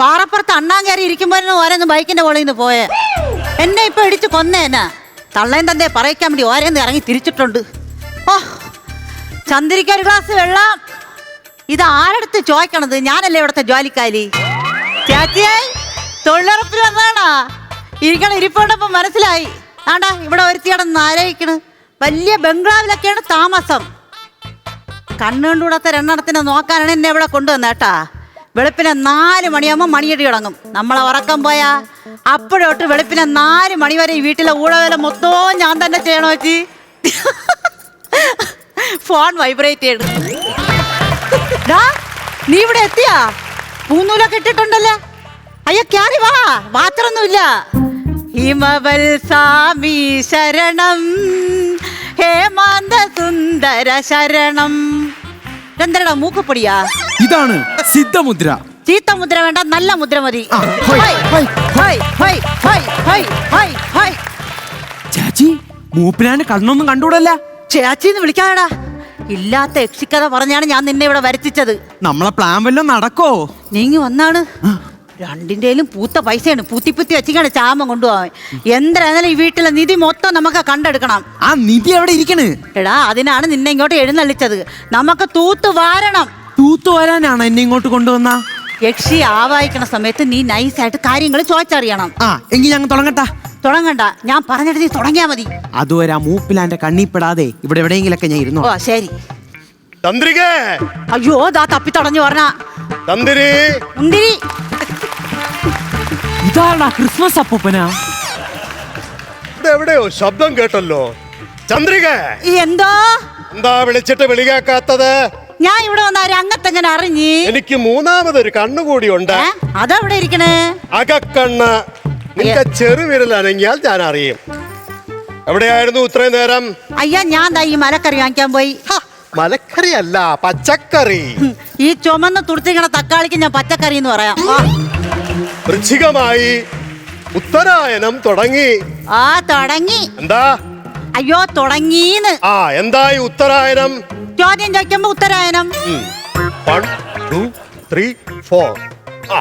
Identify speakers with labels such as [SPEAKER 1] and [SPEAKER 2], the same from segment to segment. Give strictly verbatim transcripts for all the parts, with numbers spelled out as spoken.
[SPEAKER 1] പാറപ്പുറത്ത് അണ്ണാൻ കയറി ഇരിക്കുമ്പോഴാണ് ഓരോന്ന് ബൈക്കിന്റെ മുകളിൽ നിന്ന് പോയെ. എന്നെ ഇപ്പൊ ഇടിച്ച് കൊന്നേനാ. തള്ളേൻ തന്നെ പറയിക്കാൻ വേണ്ടി ഓരോന്ന് ഇറങ്ങി തിരിച്ചിട്ടുണ്ട്. ഓ ചന്ദ്രിക്ക് ഒരു ഗ്ലാസ് വെള്ളം. ഇത് ആരടുത്ത് ചോദിക്കണത്? ഞാനല്ലേ ഇവിടുത്തെ ജോലിക്കാരി. ചേച്ചിയായി തൊഴിലുറപ്പിൽ വന്നാണാ ഇരിക്കണ ഇരിപ്പോണ്ടപ്പം മനസ്സിലായി. ആണ്ടാ ഇവിടെ ഒരുത്തിയടന്ന് ആലോചിക്കണ്. വലിയ ബംഗ്ലാവിലൊക്കെയാണ് താമസം. കണ്ണുകൊണ്ടുകൂടാത്ത രണ്ടെണ്ണത്തിനെ നോക്കാനാണ് എന്നെ ഇവിടെ കൊണ്ടുവന്ന കേട്ടാ. വെളുപ്പിനെ നാല് മണിയാകുമ്പോൾ മണിയടി തുടങ്ങും. നമ്മളെ ഉറക്കം പോയാ അപ്പോഴോട്ട് വെളുപ്പിനെ നാല് മണി വരെ ഈ വീട്ടിലെ ഊഴവേല മൊത്തവും ഞാൻ തന്നെ ചെയ്യണോ വെച്ച്. ഫോൺ വൈബ്രേറ്റ് ചെയ്യണം. നീ ഇവിടെ എത്തിയാ? പൂന്നൂലൊക്കെ ഇട്ടിട്ടുണ്ടല്ലേ? അയ്യോ ക്യാരി വാ, മാത്രൊന്നുമില്ല. ഹിമവൽ സ്വാമി ശരണം, ഹേമാന്ത സുന്ദര ശരണം. എന്തരടാ മൂക്കുപൊടിയാ?
[SPEAKER 2] ഇതാണ് സിദ്ധമുദ്ര.
[SPEAKER 1] ചീത്ത മുദ്ര വേണ്ട, നല്ല മുദ്ര മതി.
[SPEAKER 2] ചാച്ചി മൂപ്പിനാന് കണ്ണൊന്നും കണ്ടുകൂടല്ല.
[SPEAKER 1] ചേച്ചിന്ന് വിളിക്കാടാ. ഇല്ലാത്ത യക്ഷിക്കഥ പറഞ്ഞാണ് ഞാൻ നിന്നെ ഇവിടെ വരുത്തിച്ചത്.
[SPEAKER 2] നമ്മളെ പ്ലാൻ വല്ലതും നടക്കോ?
[SPEAKER 1] നീങ്ങി വന്നാണ്. രണ്ടിന്റെയിലും പൂത്ത പൈസയാണ്. പൂത്തിപ്പുത്തി വെച്ചിക്കാണ് ചാമം കൊണ്ടുപോവാൻ. എന്തായാലും ഈ വീട്ടിലെ നിധി മൊത്തം നമുക്ക് കണ്ടെടുക്കണം.
[SPEAKER 2] ആ നിധി എവിടെ ഇരിക്കണ്?
[SPEAKER 1] എടാ അതിനാണ് നിന്നെ ഇങ്ങോട്ട് എഴുന്നള്ളിച്ചത്. നമുക്ക് തൂത്ത് വാരണം.
[SPEAKER 2] തൂത്തു വരാനാണ് എന്നെ ഇങ്ങോട്ട് കൊണ്ടുവന്ന.
[SPEAKER 1] യക്ഷി ആവാഹിക്കണ സമയത്ത് നീ നൈസായിട്ട് കാര്യങ്ങൾ ചോദിച്ചറിയണം.
[SPEAKER 2] ആ എങ്കിൽ ഞങ്ങൾ തുടങ്ങട്ടാ.
[SPEAKER 1] തുടങ്ങണ്ട, ഞാൻ പറഞ്ഞിട്ട് നീ തുടങ്ങിയാ മതി.
[SPEAKER 2] അതുവരെ ആ മൂപ്പിലാന്റെ കണ്ണിപ്പെടാതെ ഇവിടെ എവിടെയെങ്കിലൊക്കെ ഞാൻ ഇരുന്നു.
[SPEAKER 1] ഓ ശരി.
[SPEAKER 3] തന്ത്രികേ,
[SPEAKER 1] അയ്യോ ദാ തപ്പി തടഞ്ഞു പറഞ്ഞ
[SPEAKER 3] തന്ത്രി
[SPEAKER 1] മുന്തിരി.
[SPEAKER 2] ഇതാണാ ക്രിസ്മസ് അപ്പൂപ്പനാ.
[SPEAKER 3] ഇവിടെ എവിടെയോ ശബ്ദം കേട്ടല്ലോ. ചന്ദ്രിക
[SPEAKER 1] എന്തോ?
[SPEAKER 3] എന്താ വിളിച്ചിട്ട് വിളി കേൾക്കാത്തത്?
[SPEAKER 1] ഞാൻ ഇവിടെ വന്ന രംഗത്തെങ്ങനെ അറിഞ്ഞി?
[SPEAKER 3] എനിക്ക് മൂന്നാമതൊരു കണ്ണുകൂടി ഉണ്ട്.
[SPEAKER 1] അതെവിടെ ഇരിക്കണേ?
[SPEAKER 3] അകക്കണ്ണ്. നിന്റെ ചെറുവിരൽ അനങ്ങിയാൽ ഞാൻ അറിയും. എവിടെയായിരുന്നു ഇത്രയും നേരം?
[SPEAKER 1] അയ്യാ ഞാൻ ദാ ഈ മലക്കറി വാങ്ങിക്കാൻ പോയി.
[SPEAKER 3] മലക്കറി അല്ല, പച്ചക്കറി.
[SPEAKER 1] ഈ ചുമന്ന് തുടുത്തിക്കണ തക്കാളിക്ക് ഞാൻ പച്ചക്കറി എന്ന് പറയാം.
[SPEAKER 3] വൃശ്ചികമായി ഉത്തരായനം തുടങ്ങി.
[SPEAKER 1] ആ തുടങ്ങി.
[SPEAKER 3] എന്താ?
[SPEAKER 1] അയ്യോ തുടങ്ങീന്ന്.
[SPEAKER 3] ആ എന്തായി ഉത്തരായനം?
[SPEAKER 1] ചോദ്യം ചോദിക്കുമ്പോ ഉത്തരായനം.
[SPEAKER 3] One two three four. ആ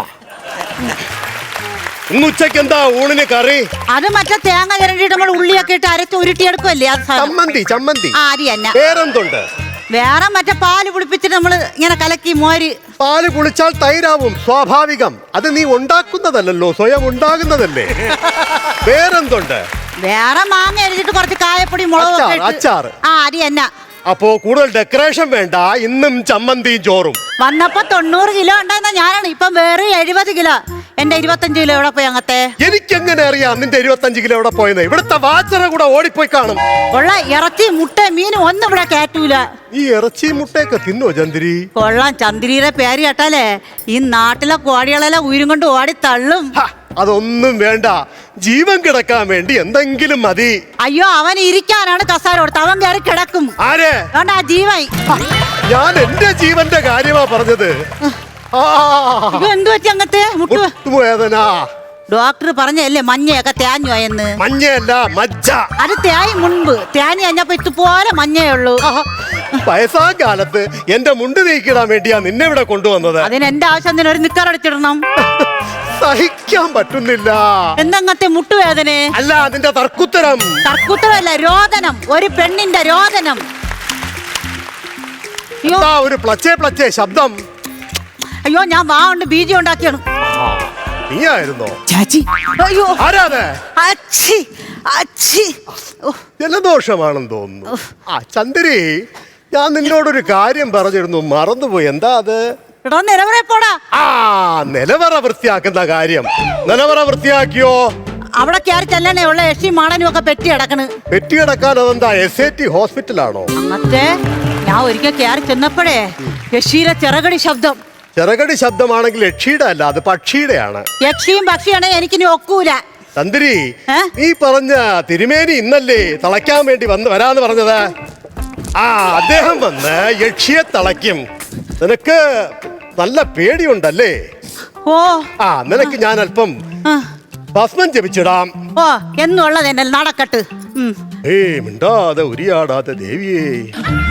[SPEAKER 3] ഇന്ന് ഉച്ചക്ക് എന്താ ഊണിന് കറി?
[SPEAKER 1] അത് മറ്റേ തേങ്ങ ചിരണ്ടിട്ട് നമ്മൾ ഉള്ളിയൊക്കെ ഇട്ട് അരച്ച് ഉരുട്ടിയെടുക്കുമല്ലേ?
[SPEAKER 3] ചമ്മന്തി. ചമ്മന്തി.
[SPEAKER 1] ആ അരി തന്നെ.
[SPEAKER 3] വേറെന്തുണ്ട്?
[SPEAKER 1] വേറെ മറ്റേ പാല് കുടിപ്പിച്ചിട്ട് നമ്മള് ഇങ്ങനെ കലക്കി മോര്.
[SPEAKER 3] പാല് കുളിച്ചാൽ തൈരാവും, സ്വാഭാവികം. അത് നീ ഉണ്ടാക്കുന്നതല്ലോ, സ്വയം ഉണ്ടാകുന്നതല്ലേ. വേറെന്തുണ്ട്?
[SPEAKER 1] വേറെ മാങ്ങ അരിഞ്ഞിട്ട് കുറച്ച് കായപ്പൊടി മുളക്
[SPEAKER 3] അച്ചാർ.
[SPEAKER 1] ആ അരി തന്നെ.
[SPEAKER 3] അപ്പോ കൂടുതൽ ഡെക്കറേഷൻ വേണ്ട. ഇന്നും ചമ്മന്തിയും ചോറും.
[SPEAKER 1] വന്നപ്പോ തൊണ്ണൂറ് കിലോ ഉണ്ടായിരുന്ന ഞാനാണ്, ഇപ്പൊ വേറെ എഴുപത് കിലോ. എന്റെ ഇരുപത്തഞ്ച് കിലോ എവിടെ പോയി അങ്ങത്തെ?
[SPEAKER 3] എനിക്കെങ്ങനെ അറിയാം നിന്റെ ഇരുപത്തഞ്ച് കിലോ എവിടെ പോയെന്ന്? ഇവിടുത്തെ വാച്ചറ കൂടെ ഓടിപ്പോയി കാണും.
[SPEAKER 1] കൊള്ള ഇറച്ചി മുട്ട മീനും ഒന്നും ഇവിടെ കേറ്റൂല.
[SPEAKER 3] ഈ ഇറച്ചി മുട്ടയൊക്കെ തിന്നോ ചന്ദ്രി?
[SPEAKER 1] കൊള്ളാം, ചന്ദ്രിയുടെ പേര് കേട്ടാലേ ഈ നാട്ടിലെ കോടികളെല്ലാം ഉയരും കൊണ്ട് ഓടി തള്ളും.
[SPEAKER 3] അതൊന്നും വേണ്ട, ജീവൻ കിടക്കാൻ വേണ്ടി എന്തെങ്കിലും മതി.
[SPEAKER 1] അയ്യോ അവൻ ഇരിക്കാനാണ് കസാര കൊടുത്ത്, അവൻ കയറി കിടക്കും.
[SPEAKER 3] ആരെ?
[SPEAKER 1] അതുകൊണ്ട് ആ ജീവൻ.
[SPEAKER 3] ഞാൻ എന്റെ ജീവന്റെ കാര്യമാ പറഞ്ഞത്.
[SPEAKER 1] എന്തു വെച്ച് അങ്ങത്തെ
[SPEAKER 3] മുട്ടുവേദന?
[SPEAKER 1] ഡോക്ടർ പറഞ്ഞല്ലേ മഞ്ഞയൊക്കെ തേഞ്ഞു എന്ന്.
[SPEAKER 3] മഞ്ഞയല്ല, മജ്ജ.
[SPEAKER 1] അത് തേയി മുൻപ് തേഞ്ഞ് കഴിഞ്ഞപ്പോ ഇതുപോലെ മഞ്ഞയേ ഉള്ളൂ.
[SPEAKER 3] വയസ്സാം കാലത്ത് എന്റെ മുണ്ട് നീക്കിടാൻ വേണ്ടിയാ നിന്നെ ഇവിടെ കൊണ്ടുവന്നത്.
[SPEAKER 1] അതിന് എന്റെ ആവശ്യം ഒരു നിക്കറടിച്ചിടണം.
[SPEAKER 3] സഹിക്കാൻ പറ്റുന്നില്ല.
[SPEAKER 1] എന്തങ്ങത്തെ മുട്ടുവേദന?
[SPEAKER 3] അല്ല, അതിന്റെ തർക്കുത്തരം.
[SPEAKER 1] തർക്കുത്തരമല്ല, രോദനം. ഒരു പെണ്ണിന്റെ രോദനം.
[SPEAKER 3] ഒരു പ്ലച്ചേ പ്ലച്ചേ ശബ്ദം.
[SPEAKER 1] അയ്യോ ഞാൻ വാ കൊണ്ട് ബീജം ഉണ്ടാക്കിയാണ്.
[SPEAKER 3] നീയായിരുന്നോ?
[SPEAKER 2] ചാച്ചി
[SPEAKER 1] അയ്യോ
[SPEAKER 3] ആരാതെ?
[SPEAKER 1] അച്ചി അച്ചി.
[SPEAKER 3] ജലദോഷമാണെന്ന് തോന്നുന്നു. ആ ചന്ദ്രി, ഞാൻ നിന്നോടൊരു കാര്യം പറഞ്ഞിരുന്നു, മറന്നുപോയി. എന്താ അത്?
[SPEAKER 1] എടാ നിലവറ പോടാ.
[SPEAKER 3] ആ നിലവറ വൃത്തിയാക്കുന്ന കാര്യം. നിലവറ വൃത്തിയാക്കിയോ?
[SPEAKER 1] അവിടെ കയറി ചെല്ലണേ ഉള്ള യക്ഷി മാടനും ഒക്കെ പെറ്റി കിടക്കണ്.
[SPEAKER 3] പെറ്റി കിടക്കാൻ അതെന്താ എസ് എ ടി ഹോസ്പിറ്റലാണോ?
[SPEAKER 1] അങ്ങത്തെ ഞാൻ ഒരിക്കൽ കയറി ചെന്നപ്പോഴേ യക്ഷിയുടെ ചിറകടി ശബ്ദം.
[SPEAKER 3] ചിറകടി ശബ്ദമാണെങ്കിൽ യക്ഷിയുടെ അല്ല, അത് പക്ഷിയുടെ ആണ്.
[SPEAKER 1] യക്ഷിയും പക്ഷിയാണെങ്കിൽ എനിക്കിനി ഒക്കൂല.
[SPEAKER 3] തന്ത്രി, നീ പറഞ്ഞ തിരുമേനി ഇന്നല്ലേ തളയ്ക്കാൻ വേണ്ടി വന്ന് വരാന്ന് പറഞ്ഞത്? ആ അദ്ദേഹം വന്ന് യക്ഷിയെ തളയ്ക്കും. നിനക്ക് നല്ല പേടിയുണ്ടല്ലേ?
[SPEAKER 1] ഓ
[SPEAKER 3] ആ നിനക്ക് ഞാൻ അല്പം ഭസ്മം ജപിച്ചിടാം.
[SPEAKER 1] ഓ എന്നുള്ളത് എന്നെ നടക്കട്ട്.
[SPEAKER 3] ഏയ് മിണ്ടാതെ ഉരിയാടാതെ ദേവിയേ.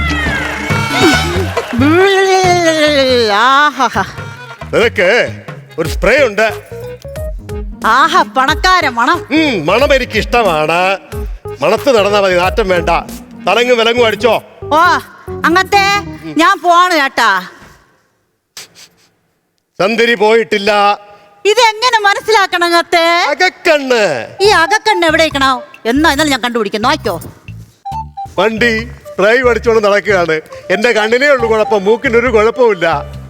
[SPEAKER 3] നിനക്ക് ഒരു സ്പ്രേ ഉണ്ട്.
[SPEAKER 1] ആഹാ പണക്കാര മണം.
[SPEAKER 3] ഉം, മണം എനിക്ക് ഇഷ്ടമാണ്. മണത്ത് നടന്നാ മതി, നാറ്റം വേണ്ട. തലങ്ങും വിലങ്ങും അടിച്ചോ.
[SPEAKER 1] ഓ അങ്ങത്തെ ഞാൻ പോവാണ് ചേട്ടാ.
[SPEAKER 3] ചന്ദരി പോയിട്ടില്ല.
[SPEAKER 1] ഇതെങ്ങനെ മനസ്സിലാക്കണം അങ്ങത്തെ?
[SPEAKER 3] അകക്കണ്ണ്.
[SPEAKER 1] ഈ അകക്കണ്ണ് എവിടേക്കണോ എന്നാ ഇന്നലെ ഞാൻ കണ്ടുപിടിക്കും, നോക്കോ.
[SPEAKER 3] വണ്ടി ഡ്രൈവ് അടിച്ചോണ്ട് നടക്കുകയാണ്. എന്റെ കണ്ണിനേ ഉള്ളു കുഴപ്പം, മൂക്കിനൊരു കുഴപ്പമില്ല.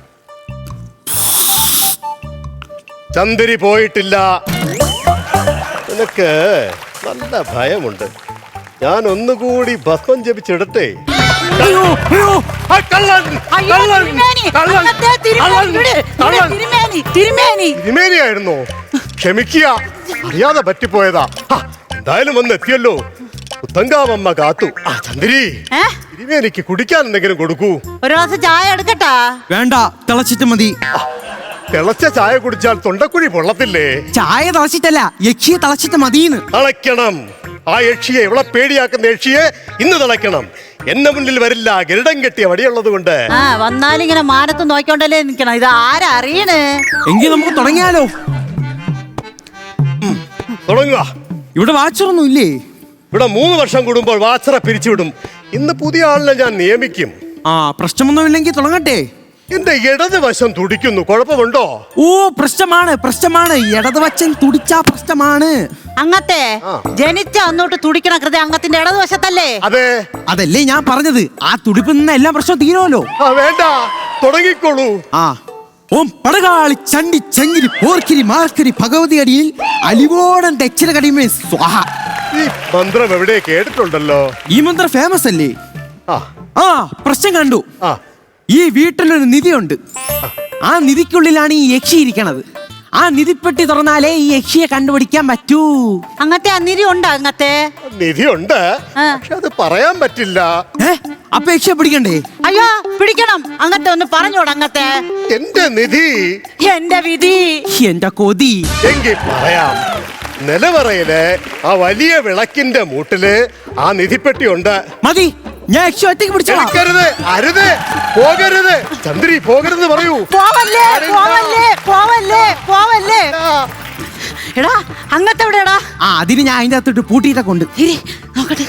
[SPEAKER 3] ചന്ദരി പോയിട്ടില്ല. നിനക്ക് നല്ല ഭയമുണ്ട്. ഞാൻ ഒന്നുകൂടി ഭസ്മം ജപിച്ചിടട്ടെ.
[SPEAKER 2] അയ്യോ അയ്യോ
[SPEAKER 3] ആ, കള്ളൻ,
[SPEAKER 1] അയ്യോ,
[SPEAKER 3] കള്ളൻ,
[SPEAKER 1] തിരുമേനി,
[SPEAKER 3] കള്ളൻ,
[SPEAKER 1] അങ്ങത്തെ തിരുമേനി,
[SPEAKER 3] കള്ളൻ,
[SPEAKER 1] ഇവിടെ, ഇവിടെ
[SPEAKER 3] കള്ളൻ.
[SPEAKER 1] തിരുമേനി, തിരുമേനി.
[SPEAKER 3] തിരുമേനിയായിരുന്നോ? ക്ഷമിക്കുക, അറിയാതെ പറ്റിപ്പോയതാ. ആ, എന്തായാലും വന്ന് എത്തിയല്ലോ. പുത്തങ്കാവമ്മ കാത്തു. ആ ചന്ദ്രി,
[SPEAKER 1] ഏ?
[SPEAKER 3] തിരുമേനിക്ക് കുടിക്കാൻ എന്തെങ്കിലും കൊടുക്കൂ.
[SPEAKER 1] ഒരു ഗ്ലാസ് ചായ എടുക്കട്ടാ?
[SPEAKER 2] വേണ്ട, തിളച്ചിട്ട് മതി.
[SPEAKER 3] തിളച്ച ചായ കുടിച്ചാൽ തൊണ്ടക്കുഴി പൊള്ളത്തില്ലേ?
[SPEAKER 2] ചായ തിളച്ചിട്ടല്ല, യക്ഷിയെ തിളച്ചിട്ട് മതിന്ന്.
[SPEAKER 3] തിളയ്ക്കണം. ആ യക്ഷിയെ, ഇവിടെ പേടിയാക്കുന്ന യക്ഷിയെ ഇന്ന് തിളയ്ക്കണം. എന്നെ മുന്നിൽ വരില്ല, ഗരുഡം കെട്ടിയ വടിയുള്ളത് കൊണ്ട്.
[SPEAKER 1] ആ വന്നാലിങ്ങനെ മാനത്ത് നോക്കിക്കൊണ്ടല്ലേ നിക്കണം. ഇത് ആരാ അറിയണ്?
[SPEAKER 2] എങ്കിൽ നമുക്ക് തുടങ്ങിയാലോ?
[SPEAKER 3] തുടങ്ങുക.
[SPEAKER 2] ഇവിടെ വാച്ചറൊന്നും ഇല്ലേ?
[SPEAKER 3] ഇവിടെ മൂന്ന് വർഷം കൂടുമ്പോൾ വാച്ചറ പിരിച്ചുവിടും. ഇന്ന് പുതിയ ആളിനെ ഞാൻ നിയമിക്കും.
[SPEAKER 2] ആ പ്രശ്നമൊന്നുമില്ലെങ്കിൽ തുടങ്ങട്ടെ.
[SPEAKER 3] എന്റെ ഇടത് വശം തുടിക്കുന്നു, കുഴപ്പമുണ്ടോ?
[SPEAKER 2] ഓ പ്രശ്നമാണ്, പ്രശ്നമാണ്. ഇടതുവച്ചൻ തുടിച്ചാ പ്രശ്നമാണ്.
[SPEAKER 1] അങ്ങത്തെ
[SPEAKER 3] ആ.
[SPEAKER 1] ജനിച്ച അന്നോട്ട് തുടിക്കണ കൃതി അംഗത്തിന്റെ ഇടതുവശത്തല്ലേ?
[SPEAKER 3] അതെ.
[SPEAKER 2] അതല്ലേ ഞാൻ പറഞ്ഞത്. ആ തുടിപ്പിൽ നിന്ന് എല്ലാം പ്രശ്നം തീരുമല്ലോ.
[SPEAKER 3] ആ വേണ്ട, തുടങ്ങിക്കോളൂ.
[SPEAKER 2] ആ ഓം പടകാളി ചണ്ടി ചങ്കിരി പോർക്കിരി മാർക്കിരി ഭഗവതി അടിയിൽ അലിവോടൻ ദക്ഷിണ കടിമേ സ്വാഹ.
[SPEAKER 3] ഈ മന്ത്രം എവിടെ കേട്ടിട്ടുണ്ടല്ലോ.
[SPEAKER 2] ഈ മന്ത്രം ഫേമസ് അല്ലേ?
[SPEAKER 3] ആ
[SPEAKER 2] ആ പ്രശ്നം കണ്ടു.
[SPEAKER 3] ആ
[SPEAKER 2] ഈ വീട്ടിലൊരു നിധിയുണ്ട്. ആ നിധിക്കുള്ളിലാണ് ഈ യക്ഷി ഇരിക്കണത്. ആ നിധിപ്പെട്ടി തുറന്നാലേ ഈ യക്ഷിയെ കണ്ടുപിടിക്കാൻ പറ്റൂ.
[SPEAKER 1] അങ്ങത്തെ ആ നിധി ഉണ്ടോ അങ്ങത്തെ?
[SPEAKER 3] നിധിയുണ്ട്,
[SPEAKER 1] ആ.
[SPEAKER 3] പക്ഷെ അത് പറയാൻ പറ്റില്ല.
[SPEAKER 2] ഏ അപ്പൊ യക്ഷിയെ പിടിക്കണ്ടേ?
[SPEAKER 1] അയ്യോ പിടിക്കണം. അങ്ങത്തെ ഒന്ന് പറഞ്ഞോട് അങ്ങത്തെ.
[SPEAKER 3] എന്റെ നിധി
[SPEAKER 1] എന്റെ വിധി.
[SPEAKER 2] എന്റെ കൊതി.
[SPEAKER 3] എങ്കിൽ പറയാം. നിലവറയില് ആ വലിയ വിളക്കിന്റെ മൂട്ടില് ആ നിധിപ്പെട്ടി ഉണ്ട്.
[SPEAKER 2] മതി, ഞാൻ യക്ഷി ഒറ്റയ്ക്ക് പിടിച്ചോളാം.
[SPEAKER 3] എടുക്കരുത്, അരുത്, പോകരുത്. ചന്ദ്രി പോകരുത് പറയൂ.
[SPEAKER 1] പോവല്ലേ പോവല്ലേ പോവല്ലേ പോവല്ലേ. എടാ അങ്ങത്തെ എവിടെയാടാ?
[SPEAKER 2] ആ അതിന് ഞാൻ അതിന്റെ അകത്തോട്ട് പൂട്ടിയിട്ടൊക്കെ ഉണ്ട്.
[SPEAKER 1] ഇരി നോക്കട്ടെ.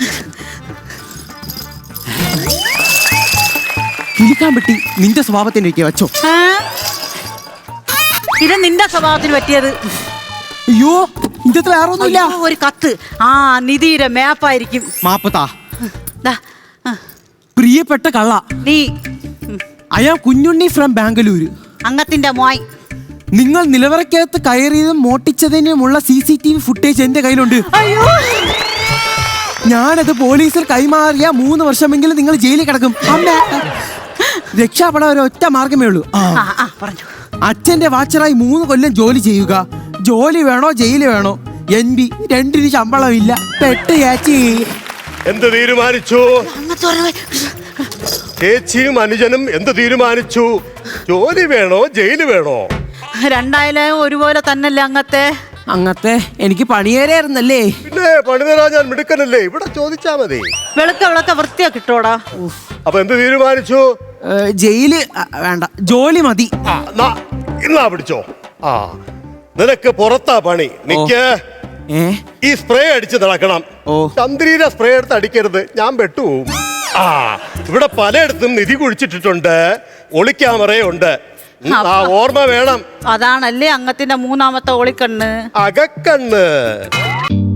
[SPEAKER 2] കിളിക്കാൻ പറ്റി നിന്റെ സ്വഭാവത്തിന്റെ ഒക്കെ വെച്ചോ.
[SPEAKER 1] ആ? ഇത് നിന്റെ സ്വഭാവത്തിന് പറ്റിയത്.
[SPEAKER 2] അയ്യോ ഇന്നത്തെ വേറെ ഒന്നുമില്ല.
[SPEAKER 1] അയ്യോ, ഒരു കത്ത്. ആ നിധിയുടെ മേപ്പായിരിക്കും.
[SPEAKER 2] മാപ്പത്താ.
[SPEAKER 1] ദാ, ആ,
[SPEAKER 2] പ്രിയപ്പെട്ട കള്ള,
[SPEAKER 1] നീ ഉം,
[SPEAKER 2] I am Kunjunni from Bangalore.
[SPEAKER 1] അങ്ങത്തിന്റെ മോയ്.
[SPEAKER 2] നിങ്ങൾ നിലവറയ്ക്കകത്ത് കയറിയതും മോട്ടിച്ചതിനുമുള്ള C C T V footage എന്റെ കയ്യിലുണ്ട്.
[SPEAKER 1] അയ്യോ
[SPEAKER 2] ഞാനത് പോലീസിൽ കൈമാറിയ മൂന്ന് വർഷമെങ്കിലും നിങ്ങൾ ജയിലിൽ കിടക്കും. അമ്മ രക്ഷപ്പെടാൻ ഒരു ഒറ്റ മാർഗമേ ഉള്ളൂ. ആ,
[SPEAKER 1] ആ ആ പറഞ്ഞു.
[SPEAKER 2] അച്ഛന്റെ വാച്ചറായി മൂന്ന് കൊല്ലം ജോലി ചെയ്യുക. ജോലി വേണോ ജയില് വേണോ? എൻ ബി രണ്ടിന് ശമ്പളം ഇല്ല. പെട്ട് ചേച്ചി.
[SPEAKER 3] എന്ത് തീരുമാനിച്ചു?
[SPEAKER 1] അങ്ങത്തെ പറഞ്ഞു.
[SPEAKER 3] ചേച്ചിയും അനുജനും എന്ത് തീരുമാനിച്ചു? ജോലി വേണോ ജയില് വേണോ?
[SPEAKER 1] രണ്ടായാലും ഒരുപോലെ തന്നല്ലേ അങ്ങത്തെ?
[SPEAKER 2] അങ്ങത്തെ എനിക്ക് പണിയേരായിരുന്നല്ലേ.
[SPEAKER 3] പിന്നെ പണിതരാ, ഞാൻ മിടുക്കനല്ലേ. ഇവിടെ ചോദിച്ചാ മതി.
[SPEAKER 1] വെളുക്ക വിളക്ക വൃത്തിയാ കിട്ടോടാ.
[SPEAKER 3] അപ്പൊ എന്ത് തീരുമാനിച്ചു?
[SPEAKER 2] ഏ, ജയില് ആ, വേണ്ട, ജോലി മതി.
[SPEAKER 3] ആ, നാ, ഇന്നാ പിടിച്ചോ. ആ നിനക്ക് പുറത്താ പണി. നിക്ക്.
[SPEAKER 2] ഏ
[SPEAKER 3] ഈ സ്പ്രേ അടിച്ച് നടക്കണം.
[SPEAKER 2] ഓ.
[SPEAKER 3] ചന്ദ്രീരെ സ്പ്രേ എടുത്ത് അടിക്കരുത്, ഞാൻ പെട്ടുപോകും. ആ ഇവിടെ പലയിടത്തും നിധി കുഴിച്ചിട്ടിട്ടുണ്ട്. ഒളിക്യാമറയുണ്ട്. ഉം, ആ ഓർമ്മ വേണം.
[SPEAKER 1] അതാണല്ലേ അങ്ങത്തിന്റെ മൂന്നാമത്തെ ഒളിക്കണ്ണ്.
[SPEAKER 3] അകക്കണ്ണ്.